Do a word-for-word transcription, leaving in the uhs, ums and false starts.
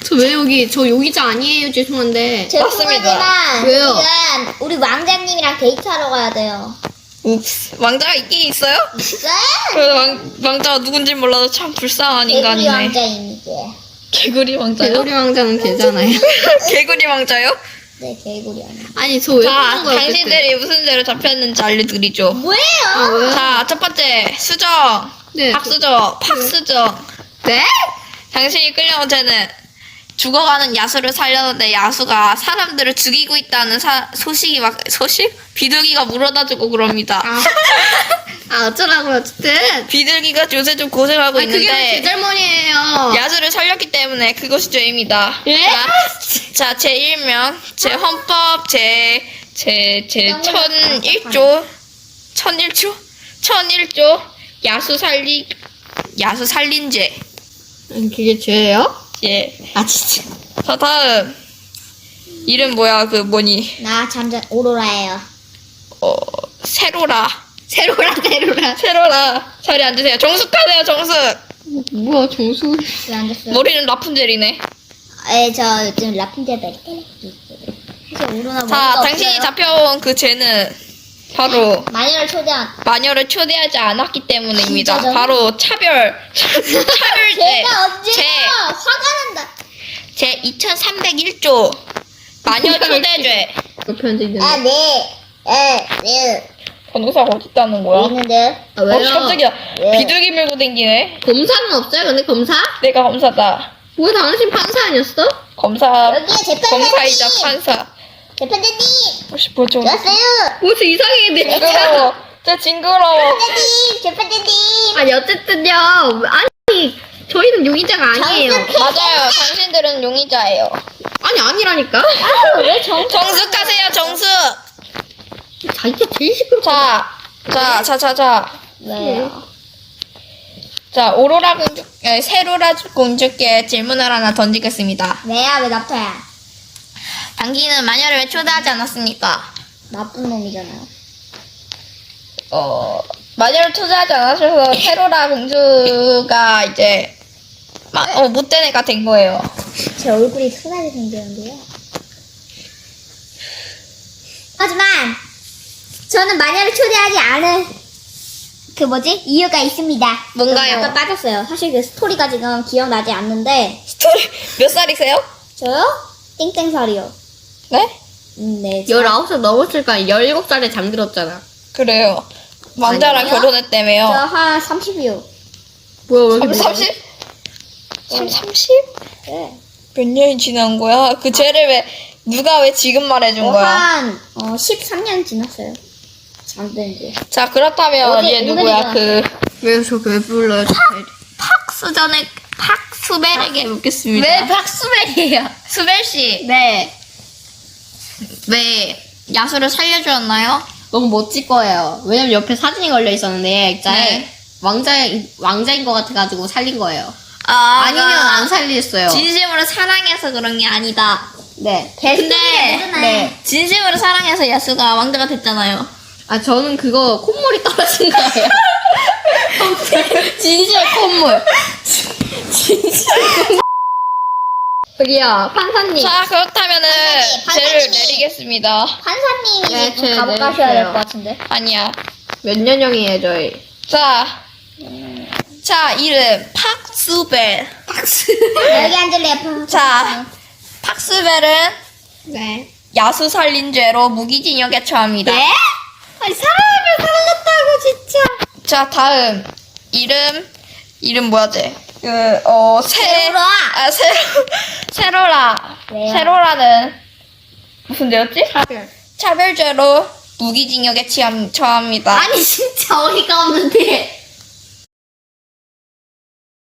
저 왜 여기, 저 여기자 아니에요. 죄송한데. 죄송하지만 왜요? 지금 우리 왕자님이랑 데이트하러 가야 돼요. 옵스. 왕자가 있긴 있어요? 있어요? 그 왕, 왕자가 누군지 몰라도 참 불쌍한 개구리 인간이네. 왕자입니다. 개구리 왕자요? 개구리 왕자는 걔잖아요. 개구리 왕자요? 네, 개구리 왕자. 아니, 저 왜 자, 그런 거야, 그때? 당신들이 무슨 죄로 잡혔는지 알려드리죠. 뭐예요? 아, 왜요? 자, 첫 번째, 수정. 네. 박수정, 박수정. 네? 당신이 끌려온 죄는 죽어가는 야수를 살렸는데 야수가 사람들을 죽이고 있다는 사, 소식이 막, 소식? 비둘기가 물어다주고 그럽니다. 아, 아 어쩌라고요, 어쨌든. 비둘기가 요새 좀 고생하고 아니, 그게 왜 제 있는데 잘못이에요. 야수를 살렸기 때문에 그것이 죄입니다. 예? 자, 자, 제일 명, 제 헌법, 제, 제, 제 천일 조, 천일 조? 천일 조, 야수 살리, 야수 살린죄. 아니, 그게 죄예요? 예. 아, 진짜. 자, 다음. 이름 뭐야, 그 뭐니? 나 잠깐 오로라예요. 어, 세로라. 세로라, 세로라. 세로라. 자리에 앉으세요. 정숙하세요, 정숙. 뭐야, 정수. 왜 앉았어요? 머리는 라푼젤이네. 에, 저 요즘 라푼젤 벨 사실 오로라 자, 머리가 당신이 없어요. 잡혀온 그 죄는 바로 마녀를 초대한 마녀를 초대하지 않았기 때문입니다. 진짜죠? 바로 차별. 차별죄. 제가 언제요? 제, 화가 난다. 제 이천삼백일 조. 마녀 초대죄. 그 편지 아, 있는데. 네. 에, 네. 변호사가 어디 있다는 거야? 여기 있는데. 아, 어, 왜요? 깜짝이야. 왜? 비둘기 밀고 댕기네. 검사는 없어요, 근데 검사? 내가 검사다. 왜 당신 판사 아니었어? 검사. 여기에 재판장님. 검사이자 판사. 재판장님. 혹시 뭐죠? 왔어요. 뭐지 이상해, 근데 진짜. 징그러워. 진짜 징그러워. 재판장님. 재판장님. 아니, 어쨌든요. 아니, 저희는 용의자가 아니에요. 정숙해. 맞아요. 당신들은 용의자예요. 아니, 아니라니까? 아, 왜 정? 정숙하세요, 정숙. 자기가 제일 시끄럽 자, 자, 자, 자, 자. 왜요? 자, 오로라 공주, 에, 세로라 공주께 질문을 하나 던지겠습니다. 왜야? 왜 나타야? 당신은 마녀를 왜 초대하지 않았습니까? 나쁜 놈이잖아요. 어, 마녀를 초대하지 않으셔서 세로라 공주가 이제, 마, 어, 못된 애가 된 거예요. 제 얼굴이 순하게 생겼는데요. 하지만 저는 마녀를 초대하지 않은 그 뭐지? 이유가 있습니다. 뭔가요? 좀 약간 빠졌어요. 사실 그 스토리가 지금 기억나지 않는데 스토리, 몇 살이세요? 저요? 땡땡살이요. 네? 음, 네. 열아홉 살 넘었을까? 열일곱 살에 잠들었잖아. 그래요. 왕자랑 아니요? 결혼했다며요. 저한 삼십이요. 뭐야, 왜 이렇게 삼, 많아? 삼십? 삼, 삼십? 네. 몇 년이 지난 거야? 그 죄를 왜, 누가 왜 지금 말해준 어, 거야? 한 어, 십삼 년 지났어요. 잠든 지. 자, 그렇다면 어디 얘 누구야? 오늘이잖아. 그, 왜 저렇게 왜 불러요? 팍수전에, 팍수벨에게 묻겠습니다. 왜 박수벨이에요? 수벨씨, 네. 왜 야수를 살려주었나요? 너무 멋질 거예요. 왜냐면 옆에 사진이 걸려 있었는데, 액자에 네. 왕자, 왕자인 것 같아가지고 살린 거예요. 아, 아니면 안 살렸어요. 진심으로 사랑해서 그런 게 아니다. 네. 근데, 누구나. 네. 진심으로 사랑해서 야수가 왕자가 됐잖아요. 아, 저는 그거 콧물이 떨어진 거예요. 진실 콧물. 진실 콧물. 저기요, 판사님. 자, 그렇다면은, 판사님, 죄를 판사님이- 내리겠습니다. 판사님이 네, 좀 제 감옥 가셔야 될 내리세요. 것 같은데. 아니야. 몇 년형이에요, 저희? 자, 자, 이름, 팍수벨. 여기 앉을래요. 자, 팍수벨은 네. 야수 살린죄로 무기징역에 처합니다. 네? 아니, 사람을 살렸다고, 진짜. 자, 다음. 이름, 이름 뭐야지? 그, 어, 세, 세로라. 아, 세로, 세로라. 왜요? 세로라는 무슨 죄였지? 차별. 차별죄로 무기징역에 취함, 처합니다. 아니, 진짜 어이가 없는데.